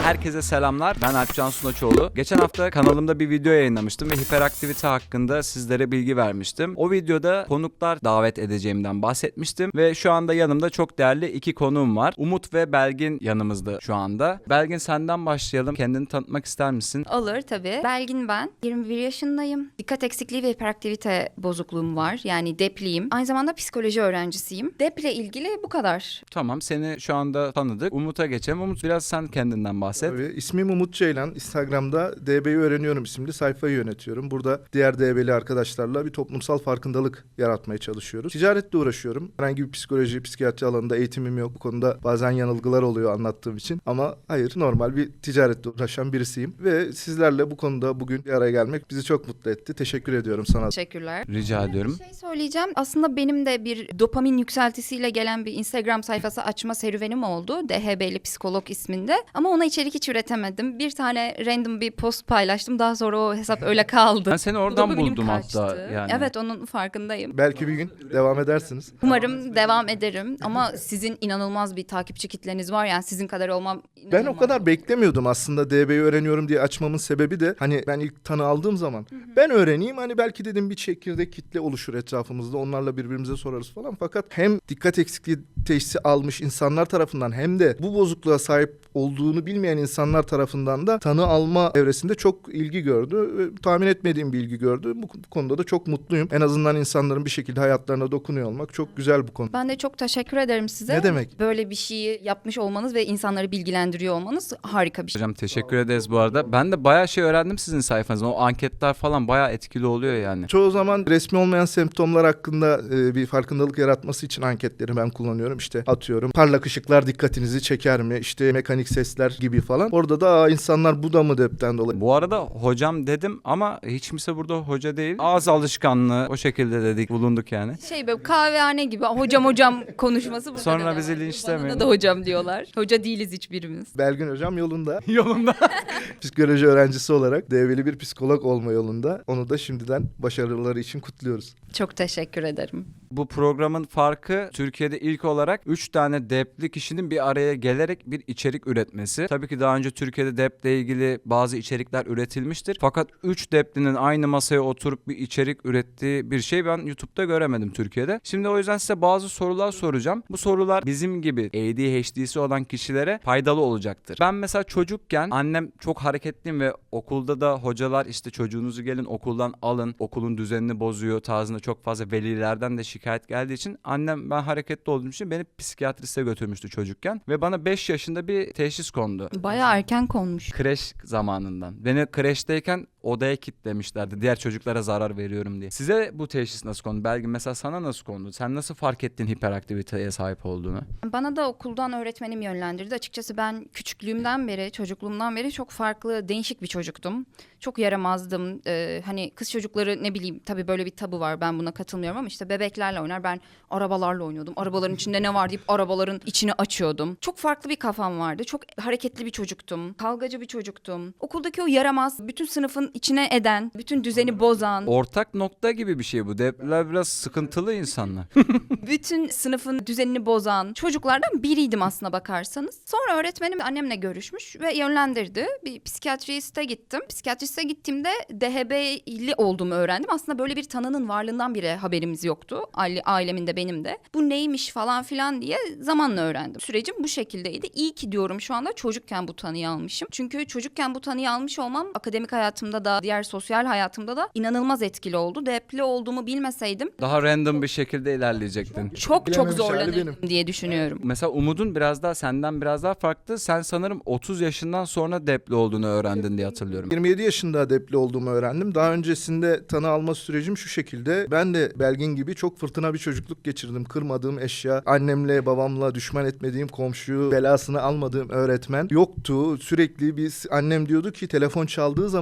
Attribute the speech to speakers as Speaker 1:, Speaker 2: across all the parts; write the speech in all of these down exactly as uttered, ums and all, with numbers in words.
Speaker 1: Herkese selamlar. Ben Alpcan Sunaçoğlu. Geçen hafta kanalımda bir video yayınlamıştım ve hiperaktivite hakkında sizlere bilgi vermiştim. O videoda konuklar davet edeceğimden bahsetmiştim ve şu anda yanımda çok değerli iki konuğum var. Umut ve Belgin yanımızda şu anda. Belgin, senden başlayalım. Kendini tanıtmak ister misin?
Speaker 2: Olur tabii. Belgin ben. yirmi bir yaşındayım. Dikkat eksikliği ve hiperaktivite bozukluğum var. Yani depliyim. Aynı zamanda psikoloji öğrencisiyim. Deple ilgili bu kadar.
Speaker 1: Tamam, seni şu anda tanıdık. Umut'a geçelim. Umut, biraz sen kendinden bahset.
Speaker 3: Tabii. İsmim Umut Ceylan. Instagram'da D B'yi öğreniyorum isimli sayfayı yönetiyorum. Burada diğer D B'li arkadaşlarla bir toplumsal farkındalık yaratmaya çalışıyoruz. Ticaretle uğraşıyorum. Herhangi bir psikoloji, psikiyatri alanında eğitimim yok. Bu konuda bazen yanılgılar oluyor anlattığım için. Ama hayır, normal bir ticaretle uğraşan birisiyim. Ve sizlerle bu konuda bugün bir araya gelmek bizi çok mutlu etti. Teşekkür ediyorum sana.
Speaker 2: Teşekkürler.
Speaker 1: Rica ediyorum.
Speaker 2: Bir şey söyleyeceğim. Aslında benim de bir dopamin yükseltisiyle gelen bir Instagram sayfası açma serüvenim oldu. D H B'li psikolog isminde. Ama ona içerik hiç üretemedim. Bir tane random bir post paylaştım. Daha sonra o hesap öyle kaldı.
Speaker 1: Ben seni oradan
Speaker 2: Dopaminim
Speaker 1: buldum
Speaker 2: kaçtı.
Speaker 1: hatta. Yani.
Speaker 2: Evet, onun farkındayım.
Speaker 3: Belki bir gün devam edersiniz.
Speaker 2: Umarım devam ederim. Ama sizin inanılmaz bir takipçi kitleniz var. Yani sizin kadar olmam inanılmaz.
Speaker 3: Ben o kadar beklemiyordum aslında D B'yi öğreniyorum diye açmamın sebebi de hani ben ilk tanı aldığım zaman hı hı. ben öğreneyim, hani belki dedim bir çekirdek kitle oluşur etrafımızda, onlarla birbirimize sorarız falan. Fakat hem dikkat eksikliği teşhisi almış insanlar tarafından hem de bu bozukluğa sahip olduğunu bilmeyen insanlar tarafından da tanı alma evresinde çok ilgi gördü. Tahmin etmediğim bir ilgi gördü. Bu, bu konuda da çok mutluyum. En azından insanların bir şekilde hayatlarına dokunuyor olmak çok güzel bu konu.
Speaker 2: Ben de çok teşekkür ederim size.
Speaker 3: Ne demek?
Speaker 2: Böyle bir şeyi yapmış olmanız ve insanları bilgilendiriyor olmanız harika bir şey.
Speaker 1: Hocam teşekkür ederiz bu arada. Ben de bayağı şey öğrendim sizin sayfanızdan. O anketler falan bayağı etkili oluyor yani.
Speaker 3: Çoğu zaman resmi olmayan semptomlar hakkında e, bir farkındalık yaratması için anketleri ben kullanıyorum. İşte atıyorum, parlak ışıklar dikkatinizi çeker mi? İşte mekanik sesler gibi falan. Orada da aa, insanlar bu da mı depten dolayı?
Speaker 1: Bu arada hocam dedim ama hiç kimse burada hoca değil. Ağız alışkanlığı o şekilde dedik, bulunduk yani.
Speaker 2: Şey, böyle kahvehane gibi hocam hocam konuşması burada
Speaker 1: Sonra
Speaker 2: devam
Speaker 1: bizi
Speaker 2: ediyor.
Speaker 1: linçlemeyin.
Speaker 2: Bana da hocam diyorlar. Hoca değiliz hiçbirimiz.
Speaker 3: Belgin hocam yolunda.
Speaker 1: Yolunda.
Speaker 3: Psikoloji öğrencisi olarak develi bir psikolog olma yolunda. Onu da şimdiden başarıları için kutluyoruz.
Speaker 2: Çok teşekkür ederim.
Speaker 1: Bu programın farkı Türkiye'de ilk olarak üç tane depli kişinin bir araya gelerek bir içerik üretmesi. Tabii ki daha önce Türkiye'de deple ilgili bazı içerikler üretilmiştir. Fakat üç deplinin aynı masaya oturup bir içerik ürettiği bir şey ben YouTube'da göremedim Türkiye'de. Şimdi o yüzden size bazı sorular soracağım. Bu sorular bizim gibi A D H D'si olan kişilere faydalı olacaktır. Ben mesela çocukken annem çok hareketliyim ve okulda da hocalar işte çocuğunuzu gelin okuldan alın, okulun düzenini bozuyor tarzında çok fazla velilerden de şikayet geldiği için annem ben hareketli olduğum için beni psikiyatriste götürmüştü çocukken ve bana beş yaşında bir teşhis kondu.
Speaker 2: Bayağı erken konmuş.
Speaker 1: Kreş zamanından. Beni kreşteyken odaya kilitlemişlerdi. Diğer çocuklara zarar veriyorum diye. Size bu teşhis nasıl kondu? Belki mesela sana nasıl kondu? Sen nasıl fark ettin hiperaktiviteye sahip olduğunu?
Speaker 2: Bana da okuldan öğretmenim yönlendirdi. Açıkçası ben küçüklüğümden beri, çocukluğumdan beri çok farklı, değişik bir çocuktum. Çok yaramazdım. Ee, hani kız çocukları ne bileyim, tabii böyle bir tabu var. Ben buna katılmıyorum ama işte bebeklerle oynar. Ben arabalarla oynuyordum. Arabaların içinde ne var deyip arabaların içini açıyordum. Çok farklı bir kafam vardı. Çok hareketli bir çocuktum. Kavgacı bir çocuktum. Okuldaki o yaramaz, bütün sınıfın içine eden, bütün düzeni bozan,
Speaker 1: Ortak nokta gibi bir şey bu. Depler biraz sıkıntılı insanlar.
Speaker 2: bütün sınıfın düzenini bozan çocuklardan biriydim aslına bakarsanız. Sonra öğretmenim annemle görüşmüş ve yönlendirdi. Bir psikiyatriste gittim. Psikiyatriste gittiğimde D H B'li olduğumu öğrendim. Aslında böyle bir tanının varlığından bile haberimiz yoktu. Aile, ailemin de benim de. Bu neymiş falan filan diye zamanla öğrendim. Sürecim bu şekildeydi. İyi ki diyorum şu anda çocukken bu tanıyı almışım. Çünkü çocukken bu tanıyı almış olmam akademik hayatımda da diğer sosyal hayatımda da inanılmaz etkili oldu. Depli olduğumu bilmeseydim
Speaker 1: Daha random bir şekilde ilerleyecektin.
Speaker 2: çok çok
Speaker 3: Bilememiş hali
Speaker 2: zorlanırdım
Speaker 3: benim.
Speaker 2: diye düşünüyorum.
Speaker 1: Mesela Umut'un biraz daha senden biraz daha farklı. Sen sanırım otuz yaşından sonra depli olduğunu öğrendin diye hatırlıyorum.
Speaker 3: yirmi yedi yaşında depli olduğumu öğrendim. Daha öncesinde tanı alma sürecim şu şekilde. Ben de Belgin gibi çok fırtına bir çocukluk geçirdim. Kırmadığım eşya, annemle babamla düşman etmediğim komşu, belasını almadığım öğretmen yoktu. Sürekli biz, annem diyordu ki telefon çaldığı zaman yüreğim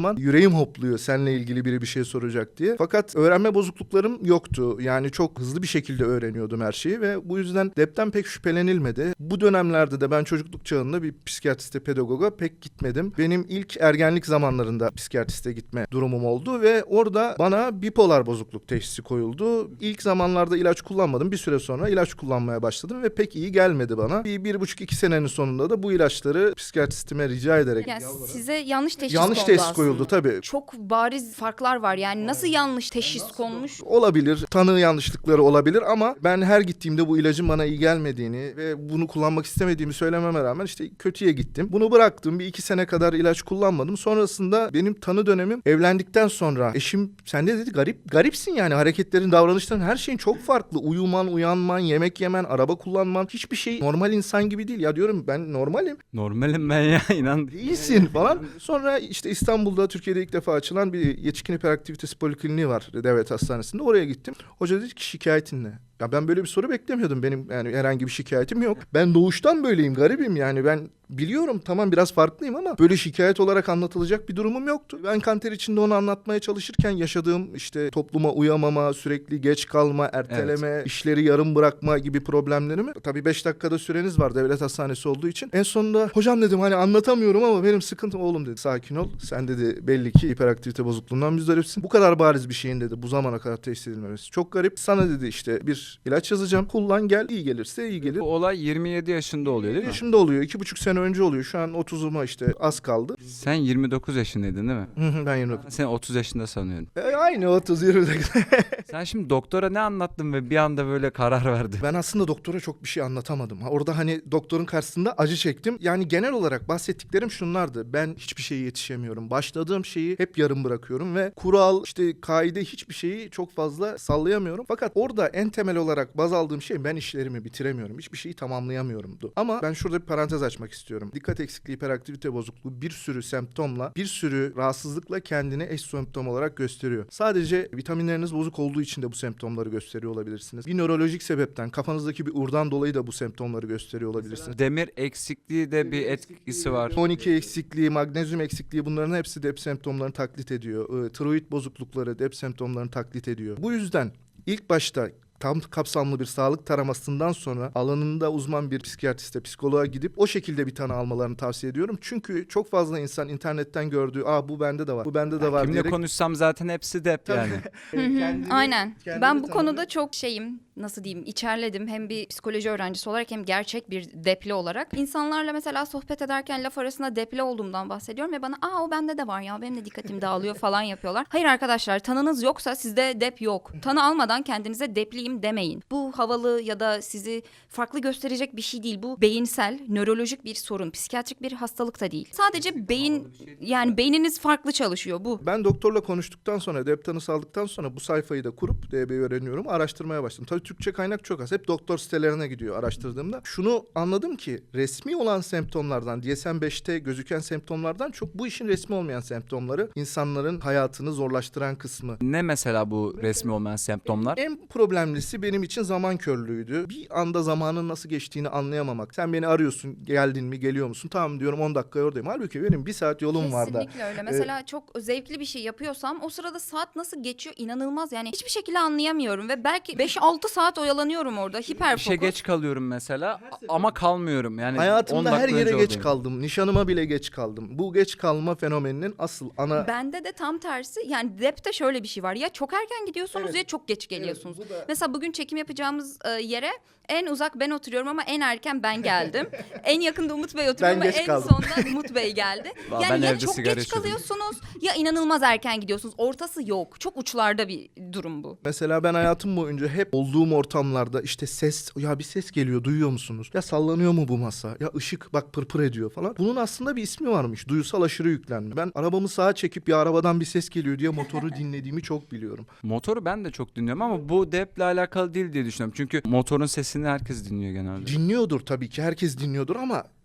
Speaker 3: elim hopluyor seninle ilgili biri bir şey soracak diye. Fakat öğrenme bozukluklarım yoktu. Yani çok hızlı bir şekilde öğreniyordum her şeyi ve bu yüzden depten pek şüphelenilmedi. Bu dönemlerde de ben çocukluk çağında bir psikiyatriste, pedagoga pek gitmedim. Benim ilk ergenlik zamanlarında psikiyatriste gitme durumum oldu ve orada bana bipolar bozukluk teşhisi koyuldu. İlk zamanlarda ilaç kullanmadım. Bir süre sonra ilaç kullanmaya başladım ve pek iyi gelmedi bana. Bir, bir buçuk iki senenin sonunda da bu ilaçları psikiyatristime rica ederek
Speaker 2: Yani size yanlış teşhis
Speaker 3: yanlış
Speaker 2: kondu
Speaker 3: teşhis
Speaker 2: aslında.
Speaker 3: koyuldu tabii.
Speaker 2: Çok bariz farklar var yani nasıl yanlış teşhis konmuş?
Speaker 3: Olabilir, tanı yanlışlıkları olabilir ama ben her gittiğimde bu ilacın bana iyi gelmediğini ve bunu kullanmak istemediğimi söylememe rağmen işte kötüye gittim. Bunu bıraktım. Bir iki sene kadar ilaç kullanmadım. Sonrasında benim tanı dönemim evlendikten sonra eşim sen de dedi garip garipsin yani hareketlerin, davranışların her şeyin çok farklı. Uyuman, uyanman, yemek yemen, araba kullanman hiçbir şey normal insan gibi değil. Ya diyorum ben normalim.
Speaker 1: Normalim ben ya inan.
Speaker 3: Değilsin falan. Sonra işte İstanbul'da Türkiye'de ilk defa açılan bir yetişkin hiperaktivitesi polikliniği var devlet hastanesinde. Oraya gittim. Hoca dedi ki şikayetin ne? Ya ben böyle bir soru beklemiyordum. Benim yani herhangi bir şikayetim yok. Ben doğuştan böyleyim, garibim yani. Ben biliyorum tamam biraz farklıyım ama böyle şikayet olarak anlatılacak bir durumum yoktu. Ben kanter içinde onu anlatmaya çalışırken yaşadığım işte topluma uyamama, sürekli geç kalma, erteleme, evet. işleri yarım bırakma gibi problemlerimi tabii beş dakikada süreniz var devlet hastanesi olduğu için. En sonunda hocam dedim hani anlatamıyorum ama benim sıkıntım oğlum dedi. Sakin ol. Sen dedi belli ki hiperaktivite bozukluğundan müzdaripsin. Bu kadar bariz bir şeyin dedi bu zamana kadar teşhis edilmemesi. Çok garip. Sana dedi işte bir ilaç yazacağım. Kullan gel. İyi gelirse iyi gelir.
Speaker 1: Bu olay yirmi yedi yaşında oluyor değil mi?
Speaker 3: Yaşında oluyor. iki buçuk sene önce oluyor. Şu an otuzuma işte az kaldı.
Speaker 1: Sen yirmi dokuz yaşındaydın değil mi?
Speaker 3: Ben yirmi dokuz.
Speaker 1: Sen otuz yaşında sanıyordun.
Speaker 3: E, aynı otuz yirmi dokuz.
Speaker 1: Sen şimdi doktora ne anlattın ve bir anda böyle karar verdin?
Speaker 3: Ben aslında doktora çok bir şey anlatamadım. Orada hani doktorun karşısında acı çektim. Yani genel olarak bahsettiklerim şunlardı. Ben hiçbir şeye yetişemiyorum. Başladığım şeyi hep yarım bırakıyorum ve kural, işte kaide hiçbir şeyi çok fazla sallayamıyorum. Fakat orada en temel olarak baz aldığım şey ben işlerimi bitiremiyorum. Hiçbir şeyi tamamlayamıyorumdu. Ama ben şurada bir parantez açmak istiyorum. Dikkat eksikliği, hiperaktivite bozukluğu bir sürü semptomla, bir sürü rahatsızlıkla kendini eş semptom olarak gösteriyor. Sadece vitaminleriniz bozuk olduğu için de bu semptomları gösteriyor olabilirsiniz. Bir nörolojik sebepten, kafanızdaki bir urdan dolayı da bu semptomları gösteriyor olabilirsiniz.
Speaker 1: Demir eksikliği de bir etkisi var.
Speaker 3: on iki eksikliği, magnezyum eksikliği bunların hepsi dep semptomlarını taklit ediyor. Ee, tiroid bozuklukları dep semptomlarını taklit ediyor. Bu yüzden ilk başta tam kapsamlı bir sağlık taramasından sonra alanında uzman bir psikiyatriste, psikoloğa gidip o şekilde bir tanı almalarını tavsiye ediyorum. Çünkü çok fazla insan internetten gördüğü, aa bu bende de var, bu bende de
Speaker 1: Ya
Speaker 3: var
Speaker 1: kimle
Speaker 3: diyerek...
Speaker 1: konuşsam zaten hepsi dep yani.
Speaker 2: Hı hı, aynen.
Speaker 3: kendini
Speaker 2: Ben bu
Speaker 3: tanımlıyor.
Speaker 2: konuda çok şeyim, nasıl diyeyim, içerledim. Hem bir psikoloji öğrencisi olarak hem gerçek bir depli olarak. İnsanlarla mesela sohbet ederken laf arasında depli olduğumdan bahsediyorum ve bana aa o bende de var ya, benim de dikkatim dağılıyor falan yapıyorlar. Hayır arkadaşlar, tanınız yoksa sizde dep yok. Tanı almadan kendinize depliyim demeyin. Bu havalı ya da sizi farklı gösterecek bir şey değil. Bu beyinsel, nörolojik bir sorun. Psikiyatrik bir hastalık da değil. Sadece beyin, yani beyniniz farklı çalışıyor bu.
Speaker 3: Ben doktorla konuştuktan sonra, dep tanısı aldıktan sonra bu sayfayı da kurup D B'yi öğreniyorum, araştırmaya başladım. Tabii Türkçe kaynak çok az. Hep doktor sitelerine gidiyor araştırdığımda. Şunu anladım ki resmi olan semptomlardan, D S M beşte gözüken semptomlardan çok bu işin resmi olmayan semptomları insanların hayatını zorlaştıran kısmı.
Speaker 1: Ne mesela bu resmi olmayan semptomlar?
Speaker 3: En problemlisi benim için zaman körlüğüydü. Bir anda zamanın nasıl geçtiğini anlayamamak. Sen beni arıyorsun, geldin mi, geliyor musun? Tamam diyorum, on dakika oradayım. Halbuki benim bir saat yolum var da.
Speaker 2: Kesinlikle öyle. Mesela çok zevkli bir şey yapıyorsam o sırada saat nasıl geçiyor inanılmaz. Yani hiçbir şekilde anlayamıyorum ve belki beş altı saat oyalanıyorum orada. Hiper
Speaker 1: İşe
Speaker 2: fokus.
Speaker 1: geç kalıyorum mesela ama kalmıyorum. Yani on
Speaker 3: Hayatımda her
Speaker 1: dakika
Speaker 3: yere
Speaker 1: önce
Speaker 3: geç
Speaker 1: oradayım.
Speaker 3: kaldım. Nişanıma bile geç kaldım. Bu geç kalma fenomeninin asıl ana...
Speaker 2: Bende de tam tersi. Yani depte şöyle bir şey var. Ya çok erken gidiyorsunuz
Speaker 3: Evet.
Speaker 2: ya çok geç geliyorsunuz.
Speaker 3: Evet, bu da-
Speaker 2: Mesela bugün çekim yapacağımız e, yere en uzak ben oturuyorum ama en erken ben geldim. En yakında Umut Bey oturuyor
Speaker 3: Ben
Speaker 2: ama
Speaker 3: geç
Speaker 2: en
Speaker 3: kaldım.
Speaker 2: sonda Umut Bey geldi.
Speaker 1: Vallahi
Speaker 2: Yani
Speaker 1: ben
Speaker 2: ya
Speaker 1: evde
Speaker 2: çok
Speaker 1: sigara
Speaker 2: geç
Speaker 1: içiyordum.
Speaker 2: kalıyorsunuz ya inanılmaz erken gidiyorsunuz. Ortası yok. Çok uçlarda bir durum bu.
Speaker 3: Mesela ben hayatım boyunca hep olduğum ortamlarda işte ses, ya bir ses geliyor, duyuyor musunuz? Ya sallanıyor mu bu masa? Ya ışık bak pırpır ediyor falan. Bunun aslında bir ismi varmış. Duysal aşırı yüklenme. Ben arabamı sağa çekip ya arabadan bir ses geliyor diye motoru dinlediğimi çok biliyorum.
Speaker 1: Motoru ben de çok dinliyorum ama bu deple alakalı değil diye düşünüyorum. Çünkü motorun sesini herkes dinliyor genelde.
Speaker 3: Dinliyordur tabii ki, herkes dinliyordur ama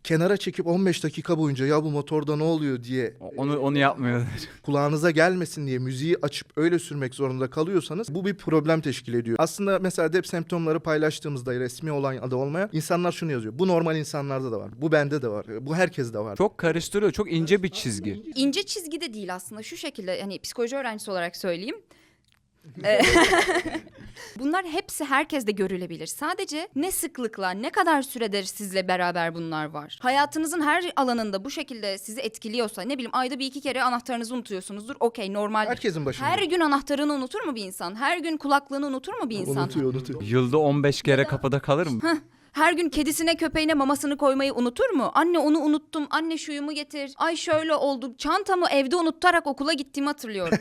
Speaker 3: kenara çekip on beş dakika boyunca ya bu motorda ne oluyor diye
Speaker 1: Onu onu yapmıyorlar.
Speaker 3: kulağınıza gelmesin diye müziği açıp öyle sürmek zorunda kalıyorsanız bu bir problem teşkil ediyor. Aslında mesela D E P semptomları paylaştığımızda resmi olan ya da olmayan insanlar şunu yazıyor. Bu normal insanlarda da var. Bu bende de var. Bu herkeste var.
Speaker 1: Çok karıştırıyor. Çok ince bir çizgi.
Speaker 2: İnce çizgi de değil aslında, şu şekilde, hani psikoloji öğrencisi olarak söyleyeyim. Ee, Bunlar hepsi herkeste görülebilir. Sadece ne sıklıkla, ne kadar süredir sizle beraber bunlar var. Hayatınızın her alanında bu şekilde sizi etkiliyorsa, ne bileyim ayda bir iki kere anahtarınızı unutuyorsunuzdur. Okey, normal.
Speaker 3: Herkesin başında.
Speaker 2: Her gün anahtarını unutur mu bir insan? Her gün kulaklığını unutur mu bir insan?
Speaker 3: Unutuyor, unutuyor.
Speaker 1: Yılda on beş kere kapıda kalır mı?
Speaker 2: Her gün kedisine köpeğine mamasını koymayı unutur mu? Anne onu unuttum, anne şuyumu getir. Ay şöyle oldu, çantamı evde unutarak okula gittiğimi hatırlıyorum.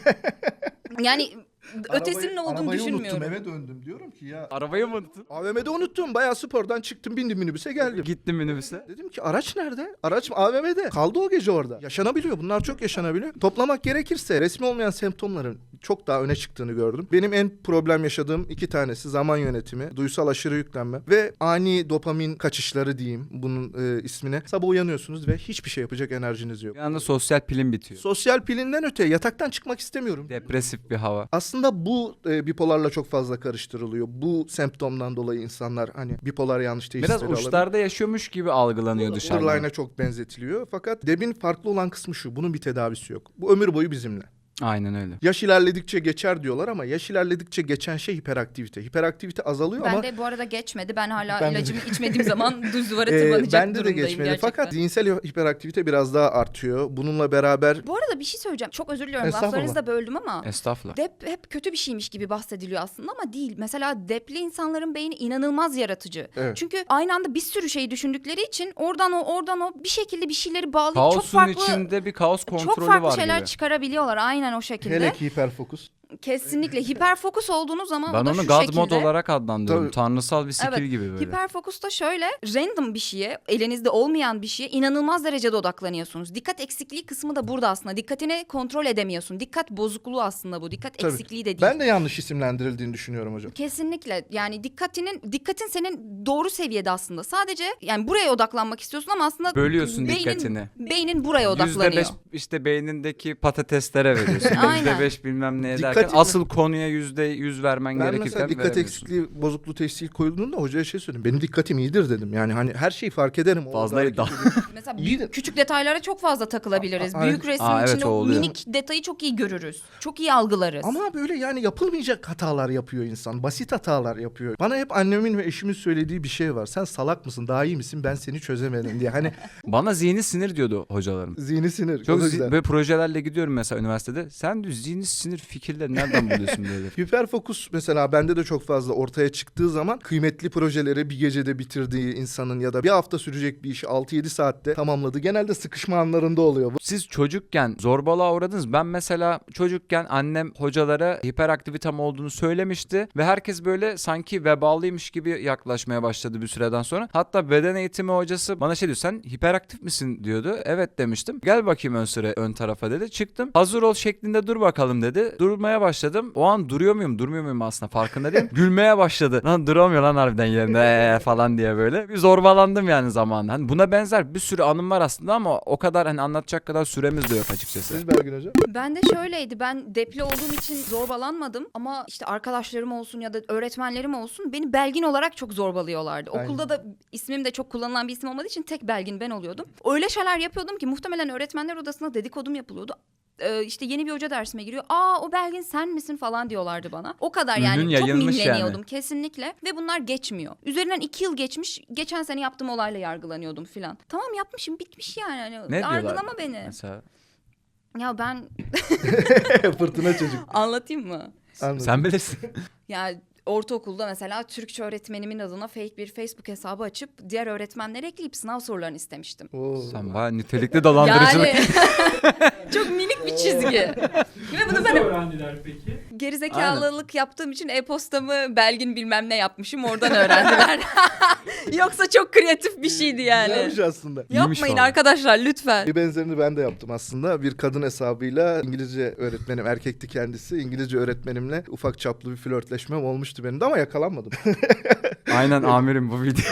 Speaker 2: Yani ötesinin ne olduğunu
Speaker 3: arabayı
Speaker 2: düşünmüyorum.
Speaker 3: unuttum, eve döndüm diyorum ki ya.
Speaker 1: Arabayı mı unuttun?
Speaker 3: A V M'de unuttum. Bayağı spordan çıktım, bindim minibüse geldim.
Speaker 1: Gittim minibüse.
Speaker 3: Dedim ki araç nerede? Araç A V M'de. Kaldı o gece orada. Yaşanabiliyor. Bunlar çok yaşanabiliyor. Toplamak gerekirse resmi olmayan semptomların çok daha öne çıktığını gördüm. Benim en problem yaşadığım iki tanesi zaman yönetimi, duysal aşırı yüklenme ve ani dopamin kaçışları diyeyim bunun e, ismine. Sabah uyanıyorsunuz ve hiçbir şey yapacak enerjiniz yok.
Speaker 1: Bir anda sosyal pilin bitiyor.
Speaker 3: Sosyal pilinden öte yataktan çıkmak istemiyorum.
Speaker 1: Depresif bir hava.
Speaker 3: Aslında bu e, bipolarla çok fazla karıştırılıyor. Bu semptomdan dolayı insanlar hani bipolar yanlış teşhisleri
Speaker 1: Biraz
Speaker 3: alabilir.
Speaker 1: uçlarda yaşıyormuş gibi algılanıyor dışarıdan.
Speaker 3: Borderline'a çok benzetiliyor. Fakat D E B'in farklı olan kısmı şu. Bunun bir tedavisi yok. Bu ömür boyu bizimle.
Speaker 1: Aynen öyle.
Speaker 3: Yaş ilerledikçe geçer diyorlar ama yaş ilerledikçe geçen şey hiperaktivite. Hiperaktivite azalıyor
Speaker 2: Ben
Speaker 3: ama
Speaker 2: de bu arada geçmedi. Ben hala
Speaker 3: Ben de-
Speaker 2: ilacımı içmediğim zaman düz duvara
Speaker 3: e,
Speaker 2: tırmanacak
Speaker 3: bende de
Speaker 2: durumdayım
Speaker 3: geçmedi.
Speaker 2: gerçekten.
Speaker 3: Fakat zihinsel hiperaktivite biraz daha artıyor. Bununla beraber
Speaker 2: Bu arada bir şey söyleyeceğim. Çok özür diliyorum.
Speaker 3: Estağfurullah.
Speaker 2: Laflarınızı da böldüm ama.
Speaker 1: Estağfurullah.
Speaker 2: Dep hep kötü bir şeymiş gibi bahsediliyor aslında ama değil. Mesela depli insanların beyni inanılmaz yaratıcı.
Speaker 3: Evet.
Speaker 2: Çünkü aynı anda bir sürü şeyi düşündükleri için oradan o oradan o bir şekilde bir şeyleri bağlayıp
Speaker 1: Kaosun
Speaker 2: çok farklı
Speaker 1: içinde bir kaos kontrolü
Speaker 2: çok farklı
Speaker 1: var
Speaker 2: şeyler
Speaker 1: gibi.
Speaker 2: çıkarabiliyorlar aynen o şekilde.
Speaker 3: hele ki hiperfokus.
Speaker 2: Kesinlikle hiperfokus olduğunuz zaman
Speaker 1: Ben
Speaker 2: o da
Speaker 1: onu
Speaker 2: şu
Speaker 1: God
Speaker 2: şekilde.
Speaker 1: mod olarak adlandırıyorum.
Speaker 3: Tabii.
Speaker 1: Tanrısal bir skill
Speaker 2: Evet,
Speaker 1: gibi böyle.
Speaker 2: Hiperfokusta şöyle random bir şeye, elinizde olmayan bir şeye inanılmaz derecede odaklanıyorsunuz. Dikkat eksikliği kısmı da burada aslında. Dikkatini kontrol edemiyorsun. Dikkat bozukluğu aslında bu. Dikkat
Speaker 3: Tabii.
Speaker 2: eksikliği de değil.
Speaker 3: Ben de yanlış isimlendirildiğini düşünüyorum hocam.
Speaker 2: Kesinlikle, yani dikkatinin dikkatin senin doğru seviyede aslında. Sadece yani buraya odaklanmak istiyorsun ama aslında
Speaker 1: Bölüyorsun
Speaker 2: beynin,
Speaker 1: dikkatini.
Speaker 2: Beynin buraya
Speaker 1: Yüzde
Speaker 2: odaklanıyor.
Speaker 1: beş işte beynindeki patateslere veriyorsun.
Speaker 2: Aynen.
Speaker 1: Yüzde beş bilmem neye
Speaker 3: Dikkat
Speaker 1: derken
Speaker 3: etme.
Speaker 1: asıl konuya yüzde yüz vermen
Speaker 3: Ben
Speaker 1: gerekirken
Speaker 3: mesela dikkat
Speaker 1: veremiyorsun.
Speaker 3: eksikliği bozukluğu teşhisi koyulduğunda hocaya şey söyledim. Benim dikkatim iyidir dedim. Yani hani her şeyi fark ederim. O
Speaker 1: Fazla
Speaker 3: hareket
Speaker 1: iddia.
Speaker 3: ediyorum.
Speaker 2: Mesela
Speaker 3: İyi de-
Speaker 2: büyük, küçük detaylara çok fazla takılabiliriz.
Speaker 3: A- a-
Speaker 2: Büyük resmin
Speaker 1: Aa, evet,
Speaker 2: içinde
Speaker 1: o
Speaker 2: o
Speaker 1: oluyor.
Speaker 2: minik detayı çok iyi görürüz. Çok iyi algılarız.
Speaker 3: Ama böyle yani yapılmayacak hatalar yapıyor insan. Basit hatalar yapıyor. Bana hep annemin ve eşimin söylediği bir şey var. Sen salak mısın? Daha iyi misin? Ben seni çözemedim diye. Hani
Speaker 1: Bana zihni sinir diyordu hocalarım.
Speaker 3: zihni sinir.
Speaker 1: Çok
Speaker 3: O da
Speaker 1: zi-
Speaker 3: güzel.
Speaker 1: böyle projelerle gidiyorum mesela üniversitede. Sen diyor zihni sinir fikirleri nereden buluyorsun böyle?
Speaker 3: Hiperfokus mesela bende de çok fazla ortaya çıktığı zaman kıymetli projeleri bir gecede bitirdiği insanın ya da bir hafta sürecek bir işi altı yedi saatte tamamladı. Genelde sıkışma anlarında oluyor bu.
Speaker 1: Siz çocukken zorbalığa uğradınız. Ben mesela çocukken annem hocalara hiperaktivitem olduğunu söylemişti ve herkes böyle sanki vebalıymış gibi yaklaşmaya başladı bir süreden sonra. Hatta beden eğitimi hocası bana şey diyor, sen hiperaktif misin diyordu. Evet demiştim. Gel bakayım ön sıra ön tarafa dedi. Çıktım. Hazır ol şeklinde dur bakalım dedi. Durmaya başladım. O an duruyor muyum durmuyor muyum aslında farkında değilim. Gülmeye başladı. Lan duramıyor lan harbiden yerinde ee, falan diye böyle. Bir zorbalandım yani zamanında. Hani buna benzer bir sürü anım var aslında ama o kadar hani anlatacak kadar süremiz de yok açıkçası.
Speaker 3: Siz Belgin Hocam?
Speaker 2: Ben de şöyleydi. Ben depli olduğum için zorbalanmadım ama işte arkadaşlarım olsun ya da öğretmenlerim olsun beni Belgin olarak çok zorbalıyorlardı.
Speaker 3: Aynen.
Speaker 2: Okulda da ismim de çok kullanılan bir isim olmadığı için tek Belgin ben oluyordum. Öyle şeyler yapıyordum ki muhtemelen öğretmenler odasında dedikodum yapılıyordu. Ee, işte yeni bir hoca dersime giriyor. Aa o Belgin sen misin falan diyorlardı bana. O kadar yani
Speaker 1: Ünün
Speaker 2: çok
Speaker 1: yayılmış
Speaker 2: mimleniyordum
Speaker 1: yani.
Speaker 2: kesinlikle. Ve bunlar geçmiyor. Üzerinden iki yıl geçmiş. Geçen sene yaptığım olayla yargılanıyordum filan. Tamam yapmışım bitmiş yani. Hani
Speaker 1: Ne diyorlar?
Speaker 2: yargılama beni.
Speaker 1: Mesela
Speaker 2: Ya ben
Speaker 3: Fırtına çocuk.
Speaker 2: anlatayım mı?
Speaker 3: Anladım.
Speaker 1: sen bilirsin.
Speaker 2: Ya ortaokulda mesela Türkçe öğretmenimin adına fake bir Facebook hesabı açıp diğer öğretmenleri ekleyip sınav sorularını istemiştim.
Speaker 3: Oo.
Speaker 1: Sen bayağı nitelikli dolandırıcılık.
Speaker 2: Yani çok minik bir çizgi. Ve bunu
Speaker 4: Nasıl
Speaker 2: ben
Speaker 4: öğrendiler peki?
Speaker 2: Gerizekalılık yaptığım için e-postamı Belgin bilmem ne yapmışım, oradan öğrendiler. Yoksa çok kreatif bir şeydi yani.
Speaker 3: Güzelmiş aslında.
Speaker 1: İyiymiş
Speaker 2: Yapmayın
Speaker 1: vallahi.
Speaker 2: arkadaşlar lütfen.
Speaker 3: Bir benzerini ben de yaptım aslında. Bir kadın hesabıyla İngilizce öğretmenim, erkekti kendisi. İngilizce öğretmenimle ufak çaplı bir flörtleşmem olmuştu benim de ama yakalanmadım.
Speaker 1: Aynen amirim bu video.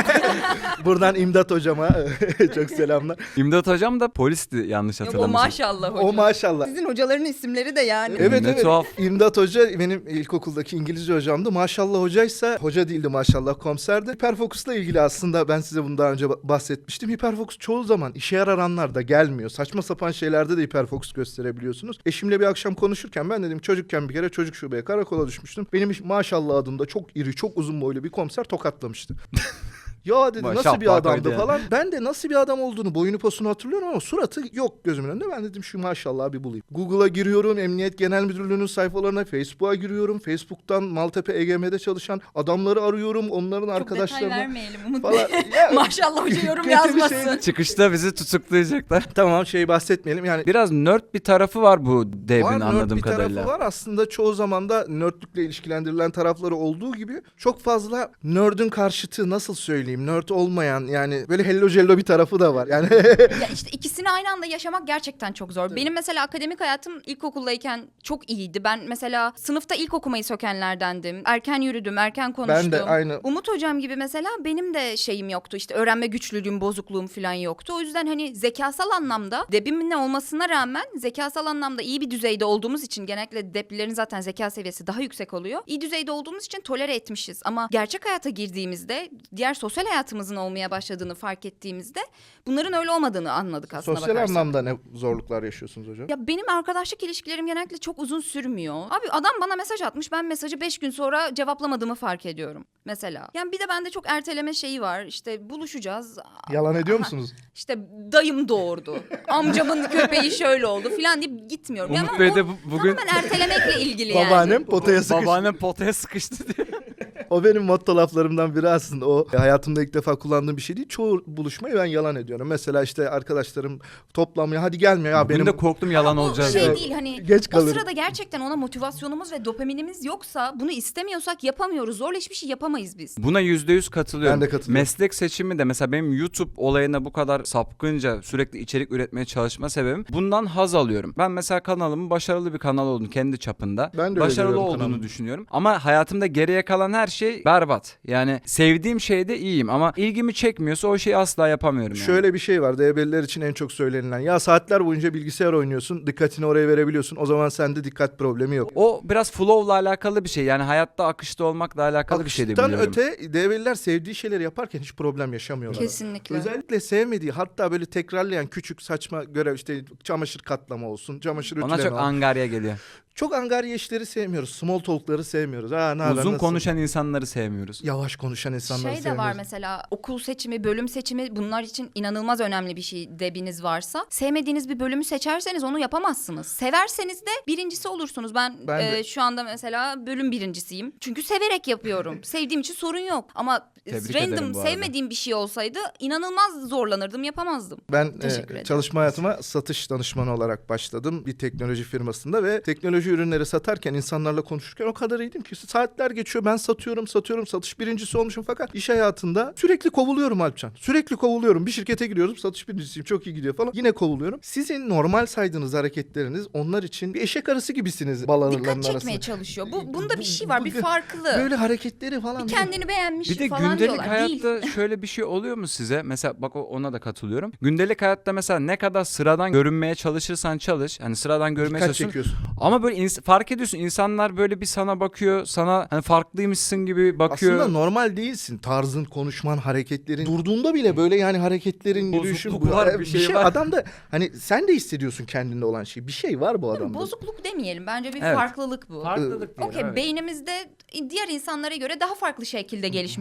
Speaker 3: Buradan İmdat hocama çok selamlar.
Speaker 1: İmdat hocam da polisti yanlış
Speaker 2: Yok, o
Speaker 1: hatırlamıyorsam.
Speaker 2: maşallah hocam.
Speaker 3: O maşallah.
Speaker 2: Sizin hocaların isimleri de yani.
Speaker 3: Evet
Speaker 1: Ne
Speaker 3: evet.
Speaker 1: tuhaf.
Speaker 3: İmdat Hoca benim ilkokuldaki İngilizce hocamdı. Maşallah hocaysa hoca değildi maşallah komiserdi. Hiperfokusla ilgili aslında ben size bunu daha önce bahsetmiştim. Hiperfokus çoğu zaman işe yarar anlarda gelmiyor. Saçma sapan şeylerde de hiperfokus gösterebiliyorsunuz. Eşimle bir akşam konuşurken ben dedim çocukken bir kere çocuk şubeye karakola düşmüştüm. Benim maşallah adımda çok iri çok uzun boylu bir komiser tokatlamıştı. Ya dedi
Speaker 1: Maşallah
Speaker 3: nasıl bir adamdı
Speaker 1: yani.
Speaker 3: falan. Ben de nasıl bir adam olduğunu, boyunu posunu hatırlıyorum ama suratı yok gözümün önünde. Ben dedim şu maşallah bir bulayım. Google'a giriyorum, Emniyet Genel Müdürlüğü'nün sayfalarına, Facebook'a giriyorum. Facebook'tan Maltepe E G M'de çalışan adamları arıyorum. Onların
Speaker 2: Çok
Speaker 3: arkadaşlarını
Speaker 2: detay vermeyelim Umut
Speaker 3: falan.
Speaker 2: Bey.
Speaker 3: Ya,
Speaker 2: Maşallah hoca yorum
Speaker 3: kötü bir
Speaker 2: yazmasın.
Speaker 3: şey.
Speaker 1: Çıkışta bizi tutuklayacaklar.
Speaker 3: Tamam şey bahsetmeyelim yani.
Speaker 1: Biraz nerd bir tarafı var bu devrin
Speaker 3: Var, nerd
Speaker 1: anladığım
Speaker 3: bir
Speaker 1: kadarıyla.
Speaker 3: tarafı var. Aslında çoğu zaman da nerdlükle ilişkilendirilen tarafları olduğu gibi çok fazla nerd'ün karşıtı nasıl söyleyeyim nerd olmayan yani böyle hello jello bir tarafı da var. Yani
Speaker 2: Ya işte ikisini aynı anda yaşamak gerçekten çok zor. Benim mesela akademik hayatım ilkokuldayken çok iyiydi. Ben mesela sınıfta ilk okumayı sökenlerdendim. Erken yürüdüm, erken konuştum.
Speaker 3: ben de aynı.
Speaker 2: Umut hocam gibi mesela benim de şeyim yoktu. İşte öğrenme güçlülüğüm, bozukluğum falan yoktu. O yüzden hani zekasal anlamda debimin ne olmasına rağmen zekasal anlamda iyi bir düzeyde olduğumuz için genellikle deplilerin zaten zeka seviyesi daha yüksek oluyor. İyi düzeyde olduğumuz için tolere etmişiz. Ama gerçek hayata girdiğimizde diğer sosyal hayatımızın olmaya başladığını fark ettiğimizde bunların öyle olmadığını anladık aslında
Speaker 3: Sosyal
Speaker 2: bakarsan.
Speaker 3: anlamda ne zorluklar yaşıyorsunuz hocam?
Speaker 2: Ya benim arkadaşlık ilişkilerim genellikle çok uzun sürmüyor. Abi adam bana mesaj atmış, ben mesajı beş gün sonra cevaplamadığımı fark ediyorum mesela. Yani bir de bende çok erteleme şeyi var. İşte buluşacağız.
Speaker 3: Yalan ediyor
Speaker 2: Aha,
Speaker 3: musunuz?
Speaker 2: İşte dayım doğurdu. Amcamın köpeği şöyle oldu falan deyip gitmiyorum.
Speaker 1: Umut
Speaker 2: Yani
Speaker 1: Bey
Speaker 2: o
Speaker 1: de bu- bugün
Speaker 2: tamamen ertelemekle ilgili yani.
Speaker 3: Babaannem potaya sıkıştı.
Speaker 1: babaannem potaya sıkıştı diye.
Speaker 3: O benim motto laflarımdan biri aslında. O hayatımda ilk defa kullandığım bir şey değil. Çoğu buluşmayı ben yalan ediyorum. Mesela işte arkadaşlarım toplamaya hadi gelmiyor ya
Speaker 1: Bugün
Speaker 3: benim
Speaker 1: de korktum yalan
Speaker 2: Bu
Speaker 1: olacağız.
Speaker 2: şey
Speaker 1: diye.
Speaker 2: değil hani
Speaker 3: Geç
Speaker 2: o
Speaker 3: kalırım.
Speaker 2: sırada gerçekten ona motivasyonumuz ve dopaminimiz yoksa bunu istemiyorsak yapamıyoruz. Zorla hiçbir şey yapamayız biz.
Speaker 1: Buna yüzde yüz katılıyorum.
Speaker 3: Ben de katılıyorum.
Speaker 1: Meslek seçimi de mesela benim YouTube olayına bu kadar sapkınca sürekli içerik üretmeye çalışma sebebim bundan haz alıyorum. Ben mesela kanalımın başarılı bir kanal olduğunu kendi çapında
Speaker 3: Ben de öyle
Speaker 1: başarılı
Speaker 3: görüyorum
Speaker 1: olduğunu
Speaker 3: kanalımı.
Speaker 1: düşünüyorum. Ama hayatımda geriye kalan her şey berbat. Yani sevdiğim şeyde iyiyim ama ilgimi çekmiyorsa o şeyi asla yapamıyorum yani.
Speaker 3: Şöyle bir şey var. D B'liler için en çok söylenilen. Ya saatler boyunca bilgisayar oynuyorsun. Dikkatini oraya verebiliyorsun. O zaman sende dikkat problemi yok.
Speaker 1: O biraz flow'la alakalı bir şey. Yani hayatta akışta olmakla alakalı bir şey de
Speaker 3: Akıştan
Speaker 1: biliyorum.
Speaker 3: öte D B'liler sevdiği şeyleri yaparken hiç problem yaşamıyorlar.
Speaker 2: Kesinlikle.
Speaker 3: Özellikle sevmediği hatta böyle tekrarlayan küçük saçma görev işte çamaşır katlama olsun, çamaşır
Speaker 1: Ona
Speaker 3: ütüleme
Speaker 1: çok
Speaker 3: olsun.
Speaker 1: angarya geliyor.
Speaker 3: Çok angarya işleri sevmiyoruz. Small talk'ları sevmiyoruz. Ha, ne haber,
Speaker 1: Uzun
Speaker 3: nasılsın?
Speaker 1: konuşan insanları sevmiyoruz.
Speaker 3: Yavaş konuşan insanları
Speaker 2: Şey de
Speaker 3: sevmiyoruz.
Speaker 2: var mesela okul seçimi, bölüm seçimi bunlar için inanılmaz önemli bir şey debiniz varsa. Sevmediğiniz bir bölümü seçerseniz onu yapamazsınız. Severseniz de birincisi olursunuz. Ben,
Speaker 3: Ben de.
Speaker 2: e, şu anda mesela bölüm birincisiyim. Çünkü severek yapıyorum. Sevdiğim için sorun yok. Ama
Speaker 1: Tebrik ederim
Speaker 2: random
Speaker 1: bu arada.
Speaker 2: sevmediğim bir şey olsaydı inanılmaz zorlanırdım, yapamazdım.
Speaker 3: Ben
Speaker 2: Teşekkür
Speaker 3: e,
Speaker 2: ederim.
Speaker 3: çalışma hayatıma satış danışmanı olarak başladım bir teknoloji firmasında ve teknoloji ürünleri satarken insanlarla konuşurken o kadar iyiydim ki saatler geçiyor ben satıyorum satıyorum satış birincisi olmuşum fakat iş hayatında sürekli kovuluyorum Alpcan. Sürekli kovuluyorum. Bir şirkete giriyorum satış birincisiyim çok iyi gidiyor falan. Yine kovuluyorum. Sizin normal saydığınız hareketleriniz onlar için bir eşek arısı gibisiniz bal arılarının
Speaker 2: Dikkat
Speaker 3: arasında.
Speaker 2: çekmeye çalışıyor. Bu, bunda
Speaker 3: Bu-
Speaker 2: bir şey var, bir
Speaker 3: bu-
Speaker 2: farklı.
Speaker 3: Böyle hareketleri falan.
Speaker 2: Bir kendini beğenmiş
Speaker 1: Bir de
Speaker 2: falan
Speaker 1: gündelik
Speaker 2: diyorlar.
Speaker 1: hayatta
Speaker 2: Değil.
Speaker 1: şöyle bir şey oluyor mu size? Mesela bak o- ona da katılıyorum. Gündelik hayatta mesela ne kadar sıradan görünmeye çalışırsan çalış. Hani sıradan görünmeye
Speaker 3: Dikkat
Speaker 1: çalışıyorsun.
Speaker 3: çekiyorsun.
Speaker 1: Ama böyle ins- fark ediyorsun insanlar böyle bir sana bakıyor. Sana hani farklıymışsın gibi bakıyor.
Speaker 3: Aslında normal değilsin. Tarzın, konuşman, hareketlerin. Durduğunda bile böyle yani hareketlerin,
Speaker 1: Bozukluk
Speaker 3: yürüyüşün.
Speaker 1: var,
Speaker 3: bu-
Speaker 1: bir şey var.
Speaker 3: Adam da hani sen de hissediyorsun kendinde olan şey. Bir şey var bu adamda.
Speaker 2: Bozukluk demeyelim. Bence bir
Speaker 1: Evet.
Speaker 2: farklılık bu.
Speaker 1: Farklılık diyelim,
Speaker 2: Okey,
Speaker 1: evet.
Speaker 2: beynimizde diğer insanlara göre daha farklı şekilde gelişmiş beynimiz.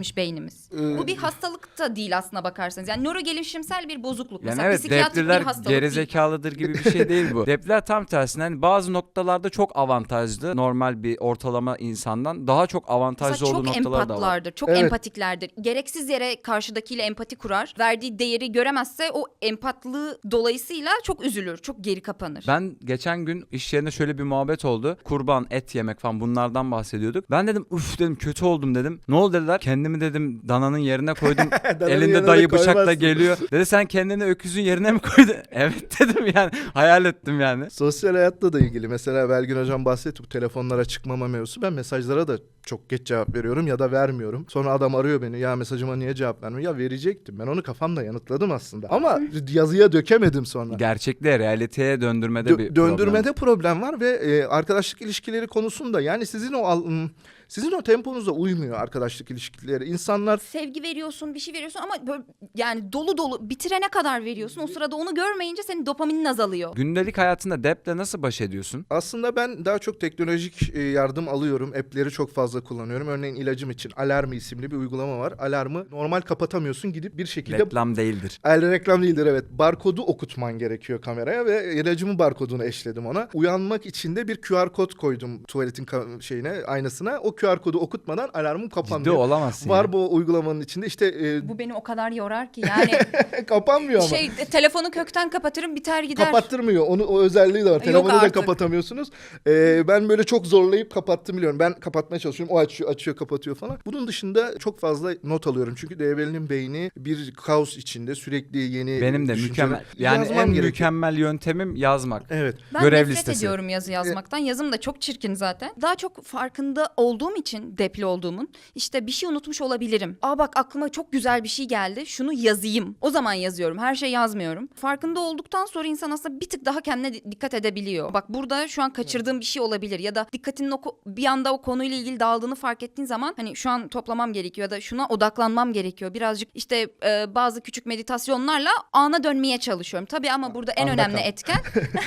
Speaker 2: öğretmemiz.
Speaker 3: Ee,
Speaker 2: Bu bir hastalık da değil aslına bakarsanız. Yani nörogelişimsel bir bozukluk.
Speaker 1: Yani
Speaker 2: Mesela
Speaker 1: evet,
Speaker 2: psikiyatrik bir
Speaker 1: depliler
Speaker 2: hastalık değil.
Speaker 1: gerizekalıdır gibi bir şey değil bu. Depliler tam tersine hani bazı noktalarda çok avantajlı. Normal bir ortalama insandan daha çok avantajlı
Speaker 2: Mesela
Speaker 1: olduğu
Speaker 2: çok
Speaker 1: noktalar da var.
Speaker 2: empatlardır, çok
Speaker 3: Evet.
Speaker 2: empatiklerdir. Gereksiz yere karşıdakiyle empati kurar. Verdiği değeri göremezse o empatlığı dolayısıyla çok üzülür, çok geri kapanır.
Speaker 1: Ben geçen gün iş yerinde şöyle bir muhabbet oldu. Kurban, et yemek falan bunlardan bahsediyorduk. Ben dedim uf dedim kötü oldum dedim. Ne oldu dediler. Kendimi dedim dananın yerine koydum.
Speaker 3: Dananın
Speaker 1: Elinde
Speaker 3: yerine
Speaker 1: dayı bıçakla
Speaker 3: koymazsın.
Speaker 1: geliyor. Dedi sen kendini öküzün yerine mi koydun? Evet dedim yani. Hayal ettim yani.
Speaker 3: Sosyal hayatla da ilgili. Mesela Belgin Hocam bahsetti bu telefonlara çıkmama mevzusu. Ben mesajlara da çok geç cevap veriyorum ya da vermiyorum. Sonra adam arıyor beni. Ya mesajıma niye cevap vermiyor? Ya verecektim. Ben onu kafamda yanıtladım aslında. Ama yazıya dökemedim sonra.
Speaker 1: Gerçekliğe, realiteye döndürmede
Speaker 3: Dö-
Speaker 1: bir
Speaker 3: döndürmede
Speaker 1: problem.
Speaker 3: problem var ve e, arkadaşlık ilişkileri konusunda yani sizin o al- m, sizin o temponuza uymuyor arkadaşlık ilişkileri. İnsanlar
Speaker 2: Sevgi veriyorsun, bir şey veriyorsun ama böyle yani dolu dolu bitirene kadar veriyorsun. O sırada onu görmeyince senin dopaminin azalıyor.
Speaker 1: Gündelik hayatında deple nasıl baş ediyorsun?
Speaker 3: aslında ben daha çok teknolojik e, yardım alıyorum. App'leri çok fazla kullanıyorum. Örneğin ilacım için Alarmı isimli bir uygulama var. Alarmı normal kapatamıyorsun, gidip bir şekilde
Speaker 1: Reklam değildir.
Speaker 3: El reklam değildir, evet. Barkodu okutman gerekiyor kameraya ve ilacımın barkodunu eşledim ona. Uyanmak için de bir Q R kod koydum tuvaletin ka- şeyine, aynasına. O Q R kodu okutmadan alarmım
Speaker 1: Ciddi
Speaker 3: kapanmıyor.
Speaker 1: olamazsın
Speaker 3: Var
Speaker 1: ya.
Speaker 3: bu uygulamanın içinde işte e,
Speaker 2: Bu beni o kadar yorar ki yani
Speaker 3: kapanmıyor ama.
Speaker 2: şey de- telefonu kökten kapatırım biter gider.
Speaker 3: Kapattırmıyor. Onu o özelliği de var.
Speaker 2: Yok
Speaker 3: Telefonu da
Speaker 2: artık.
Speaker 3: kapatamıyorsunuz. Ee, ben böyle çok zorlayıp kapattım biliyorum. Ben kapatmaya çalışıyorum. O açıyor, açıyor, kapatıyor falan. Bunun dışında çok fazla not alıyorum. Çünkü D B'nin beyni bir kaos içinde, sürekli yeni
Speaker 1: Benim de
Speaker 3: düşünceler-
Speaker 1: mükemmel. Yani
Speaker 3: Yazmam
Speaker 1: en
Speaker 3: gerekiyor.
Speaker 1: mükemmel yöntemim yazmak.
Speaker 3: Evet.
Speaker 2: Ben
Speaker 1: Görev
Speaker 2: nefret
Speaker 1: listesi.
Speaker 2: ediyorum yazı yazmaktan. Yazım da çok çirkin zaten. Daha çok farkında olduğum için depli olduğumun işte bir şey unutmuş olabilirim. Aa bak aklıma çok güzel bir şey geldi. Şunu yazayım. O zaman yazıyorum. Her şey yazmıyorum. Farkında olduktan sonra insan aslında bir tık daha kendine di- dikkat edebiliyor. Bak burada şu an kaçırdığım bir şey olabilir ya da dikkatinin o ko- bir anda o konuyla ilgili dağıldığını fark ettiğin zaman hani şu an toplamam gerekiyor ya da şuna odaklanmam gerekiyor. Birazcık işte e, bazı küçük meditasyonlarla ana dönmeye çalışıyorum. Tabii ama burada en
Speaker 3: Anda
Speaker 2: önemli
Speaker 3: kal.
Speaker 2: etken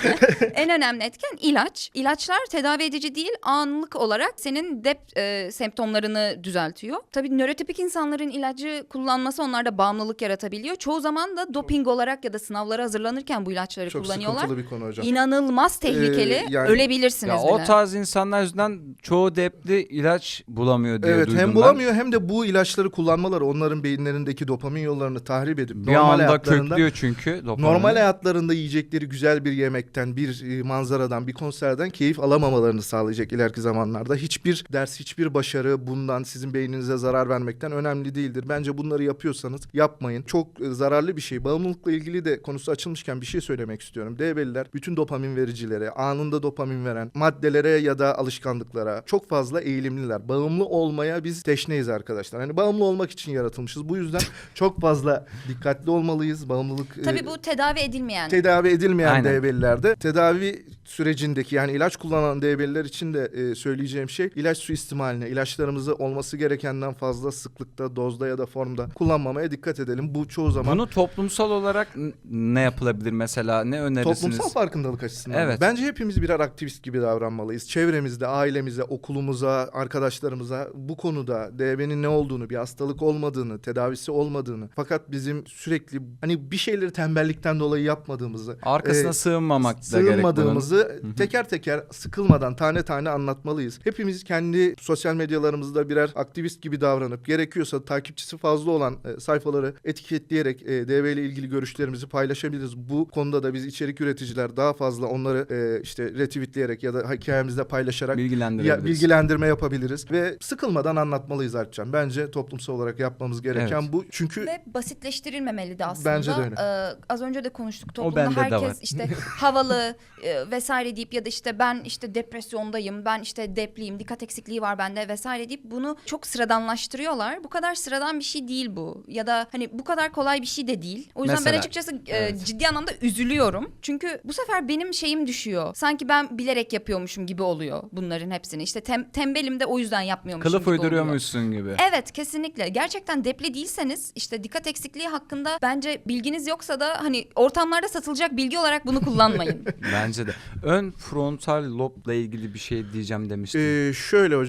Speaker 2: en önemli etken ilaç. İlaçlar tedavi edici değil, anlık olarak senin dep e, semptomlarını düzeltiyor. Tabii nörotipik insanların ilacı kullanması onlarda bağımlılık yaratabiliyor. Çoğu zaman da doping olarak ya da sınavlara hazırlanırken bu ilaçları
Speaker 3: Çok
Speaker 2: kullanıyorlar.
Speaker 3: sıkıntılı bir konu hocam.
Speaker 2: İnanılmaz tehlikeli.
Speaker 3: Ee, yani-
Speaker 2: Ölebilirsiniz
Speaker 1: Ya
Speaker 2: bile.
Speaker 1: o tarz insanlar yüzünden çoğu depli ilaç bulamıyor diye
Speaker 3: Evet,
Speaker 1: duydum
Speaker 3: hem
Speaker 1: ben.
Speaker 3: bulamıyor hem de bu ilaçları kullanmaları onların beyinlerindeki dopamin yollarını tahrip edip
Speaker 1: Bir
Speaker 3: normal
Speaker 1: anda
Speaker 3: hayatlarında
Speaker 1: köklüyor çünkü dopamini.
Speaker 3: normal hayatlarında yiyecekleri güzel bir yemekten, bir e, manzaradan, bir konserden keyif alamamalarını sağlayacak ileriki zamanlarda. Hiçbir ders, hiçbir başarı bundan sizin beyninize zarar vermekten önemli değildir. Bence bunları yapıyorsanız yapmayın. Çok e, zararlı bir şey. Bağımlılıkla ilgili de konusu açılmışken bir şey söylemek istiyorum. D B'liler bütün dopamin vericilere, anında dopamin veren maddelere ya da alışkanlıklara çok fazla eğilimliler. Bağımlı olmaya biz teşneyiz arkadaşlar. Hani bağımlı olmak için yaratılmışız. Bu yüzden çok fazla dikkatli olmalıyız. Bağımlılık e,
Speaker 2: Tabii bu tedavi edilmeyen.
Speaker 3: tedavi edilmeyen
Speaker 1: Aynen.
Speaker 3: D B'lilerde tedavi sürecindeki yani ilaç kullanan D B'liler için de e, söyleyeceğim şey ilaç suistimaline, ilaçlarımızı olması gerekenden fazla sıklıkta, dozda ya da formda kullanmamaya dikkat edelim. Bu çoğu zaman
Speaker 1: Bunu toplumsal olarak n- ne yapılabilir mesela? Ne önerirsiniz?
Speaker 3: toplumsal farkındalık açısından.
Speaker 1: Evet.
Speaker 3: Bence hepimiz birer aktivist gibi davranmalıyız. Çevremizde, ailemize, okulumuza, arkadaşlarımıza bu konuda D B'nin ne olduğunu, bir hastalık olmadığını, tedavisi olmadığını fakat bizim sürekli hani bir şeyleri tembellikten dolayı yapmadığımızı,
Speaker 1: Arkasına
Speaker 3: e,
Speaker 1: sığınmamak da gerek bunun.
Speaker 3: sığınmadığımızı teker teker sıkılmadan tane tane anlatmalıyız. Hepimiz kendi sosyal medyalarımızda birer aktivist gibi davranıp gerekiyorsa takipçisi fazla olan e, sayfaları etiketleyerek e, D B ile ilgili görüşlerimizi paylaşabiliriz. Bu konuda da biz içerik üreticiler daha fazla onları e, işte retweetleyerek ya da hikayemizde paylaşarak
Speaker 1: Bilgilendirebiliriz.
Speaker 3: ya, bilgilendirme yapabiliriz ve sıkılmadan anlatmalıyız Alpcan. Bence toplumsal olarak yapmamız gereken
Speaker 1: Evet.
Speaker 3: bu. Çünkü
Speaker 2: Ve basitleştirilmemeli de aslında.
Speaker 3: Bence de öyle.
Speaker 2: Ee, az önce de konuştuk
Speaker 1: O
Speaker 2: toplumda
Speaker 1: bende de
Speaker 2: herkes
Speaker 1: var.
Speaker 2: işte havalı e, vesaire deyip ya da işte ben işte depresyondayım, ben işte depliyim, dikkat eksikliği var bende vesaire deyip bunu çok sıradanlaştırıyorlar. Bu kadar sıradan bir şey değil bu. Ya da hani bu kadar kolay bir şey de değil. O yüzden ben
Speaker 1: Mesela,
Speaker 2: açıkçası e,
Speaker 1: evet.
Speaker 2: ciddi anlamda üzülüyorum. Çünkü bu sefer benim şeyim düşüyor. Sanki ben bilerek yapıyormuşum gibi oluyor bunların hepsini. İşte tem, tembelim de o yüzden yapmıyormuşum
Speaker 1: Kılıf
Speaker 2: gibi oluyor.
Speaker 1: uyduruyormuşsun gibi.
Speaker 2: Evet, kesinlikle. Gerçekten depli değilseniz işte dikkat eksikliği hakkında bence bilginiz yoksa da hani ortamlarda satılacak bilgi olarak bunu kullanmayın.
Speaker 1: Bence de. Ön frontal lobla ilgili bir şey diyeceğim demiştim.
Speaker 3: e, şöyle hocam.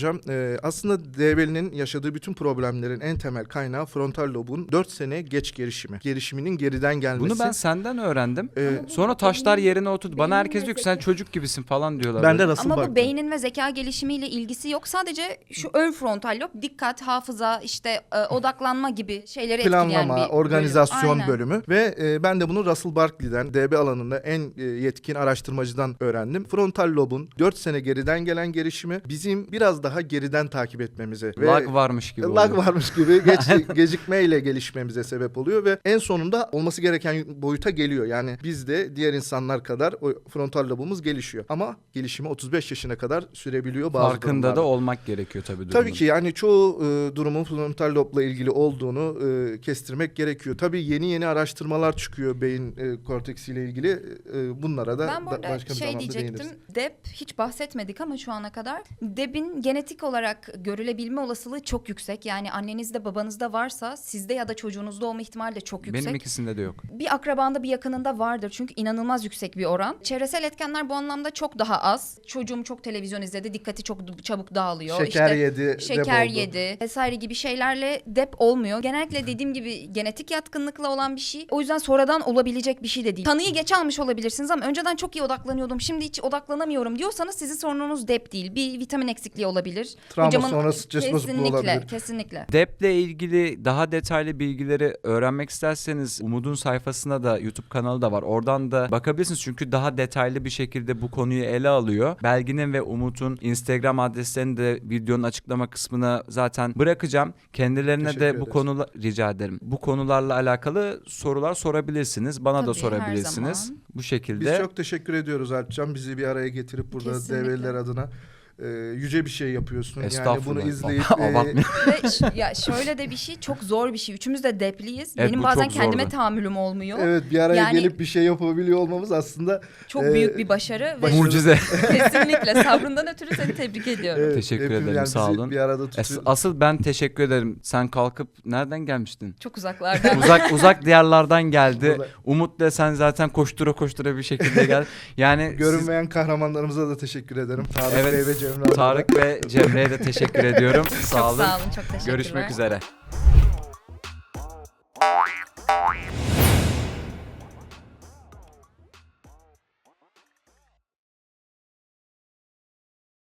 Speaker 3: hocam. Ee, aslında D B L'nin yaşadığı bütün problemlerin en temel kaynağı frontal lobun dört sene geç gelişimi. Gelişiminin geriden gelmesi.
Speaker 1: Bunu ben senden öğrendim.
Speaker 3: Ee,
Speaker 1: Sonra taşlar yerine oturdu. Bana
Speaker 2: beynin
Speaker 1: herkes
Speaker 2: ve
Speaker 1: diyor ki sen
Speaker 2: zeka-
Speaker 1: çocuk gibisin falan diyorlar.
Speaker 3: ben de
Speaker 1: böyle.
Speaker 3: nasıl
Speaker 2: Ama
Speaker 3: baktım?
Speaker 2: bu beynin ve zeka gelişimiyle ilgisi yok. Sadece şu ön frontal lob dikkat, hafıza, işte e, odaklanma gibi şeyleri etkileyen
Speaker 3: Planlama,
Speaker 2: bir bölüm.
Speaker 3: organizasyon
Speaker 2: Aynen.
Speaker 3: bölümü ve e, ben de bunu Russell Barkley'den, D B alanında en e, yetkin araştırmacıdan öğrendim. Frontal lobun dört sene geriden gelen gelişimi bizim biraz daha geriden takip etmemize ve
Speaker 1: Lag varmış gibi
Speaker 3: lag
Speaker 1: oluyor.
Speaker 3: varmış gibi geç, gecikmeyle gelişmemize sebep oluyor ve en sonunda olması gereken boyuta geliyor. Yani biz de diğer insanlar kadar o frontal lobumuz gelişiyor. Ama gelişimi otuz beş yaşına kadar sürebiliyor bazı
Speaker 1: Farkında
Speaker 3: durumlarda.
Speaker 1: da olmak gerekiyor tabii durumun.
Speaker 3: Tabii ki yani çoğu e, durumun frontal lobla ilgili olduğunu e, kestirmek gerekiyor. Tabii yeni yeni araştırmalar çıkıyor beyin e, korteksiyle ilgili. E, bunlara da
Speaker 2: Ben
Speaker 3: da
Speaker 2: burada
Speaker 3: başka bir
Speaker 2: şey
Speaker 3: zamanda
Speaker 2: diyecektim.
Speaker 3: değiniriz.
Speaker 2: D E B hiç bahsetmedik ama şu ana kadar D E B'in genetik olarak görülebilme olasılığı çok yüksek. Yani annenizde babanızda varsa sizde ya da çocuğunuzda olma ihtimali de çok yüksek.
Speaker 1: Benim ikisinde de yok.
Speaker 2: Bir akrabanda bir yakınında vardır çünkü inanılmaz yüksek bir oran. Çevresel etkenler bu anlamda çok daha az. Çocuğum çok televizyon izledi, dikkati çok çabuk dağılıyor.
Speaker 3: Şeker
Speaker 2: İşte
Speaker 3: yedi,
Speaker 2: şeker
Speaker 3: dep oldu.
Speaker 2: yedi vesaire gibi şeylerle dep olmuyor. Genellikle dediğim gibi genetik yatkınlıkla olan bir şey. O yüzden sonradan olabilecek bir şey de değil. Tanıyı geç almış olabilirsiniz ama önceden çok iyi odaklanıyordum. Şimdi hiç odaklanamıyorum diyorsanız sizin sorununuz dep değil. Bir vitamin eksikliği olabilir.
Speaker 3: Travma sonrası stres bozukluğu
Speaker 2: kesinlikle,
Speaker 3: olabilir.
Speaker 2: kesinlikle.
Speaker 1: D E B'le ilgili daha detaylı bilgileri öğrenmek isterseniz Umut'un sayfasında da YouTube kanalı da var. Oradan da bakabilirsiniz çünkü daha detaylı bir şekilde bu konuyu ele alıyor. Belgin'in ve Umut'un Instagram adreslerini de videonun açıklama kısmına zaten bırakacağım. Kendilerine
Speaker 3: Teşekkür
Speaker 1: de bu
Speaker 3: ederiz.
Speaker 1: konular rica ederim. Bu konularla alakalı sorular sorabilirsiniz. Bana da
Speaker 2: Tabii, her
Speaker 1: sorabilirsiniz.
Speaker 2: zaman.
Speaker 1: Bu şekilde.
Speaker 3: Biz çok teşekkür ediyoruz Alpcan. Bizi bir araya getirip burada
Speaker 2: Kesinlikle.
Speaker 3: D B'liler adına e, yüce bir şey yapıyorsun. Yani
Speaker 1: Estağfurullah.
Speaker 3: bunu izleyip e,
Speaker 1: Abartmayın.
Speaker 2: Ve ş- ya şöyle de bir şey çok zor bir şey. Üçümüz de depliyiz.
Speaker 1: Evet,
Speaker 2: Benim
Speaker 1: bu
Speaker 2: bazen
Speaker 1: çok
Speaker 2: kendime
Speaker 1: zordu.
Speaker 2: tahammülüm olmuyor.
Speaker 3: evet bir araya
Speaker 2: Yani-
Speaker 3: gelip bir şey yapabiliyor olmamız aslında
Speaker 2: Çok
Speaker 3: Ee,
Speaker 2: büyük bir başarı ve
Speaker 3: başarı-
Speaker 1: Mucize.
Speaker 2: kesinlikle sabrından ötürü seni tebrik ediyorum.
Speaker 3: evet,
Speaker 1: Teşekkür
Speaker 3: hepimiz
Speaker 1: ederim,
Speaker 3: yani
Speaker 1: sağ
Speaker 3: bizi
Speaker 1: olun.
Speaker 3: Bir arada
Speaker 1: Es-
Speaker 3: tutuyor.
Speaker 1: asıl ben teşekkür ederim. Sen kalkıp nereden gelmiştin?
Speaker 2: Çok uzaklardan.
Speaker 1: uzak uzak diyarlardan geldi.
Speaker 3: Burada-
Speaker 1: Umut'la sen zaten koştura koştura bir şekilde gel. Yani siz-
Speaker 3: Görünmeyen kahramanlarımıza da teşekkür ederim. Tarık
Speaker 1: Evet,
Speaker 3: Bey ve Cemre Hanım'a.
Speaker 1: Tarık ve Cemre'ye de teşekkür ediyorum. Sağ
Speaker 2: Çok
Speaker 1: olun.
Speaker 2: sağ olun. Çok teşekkürler.
Speaker 1: Görüşmek üzere.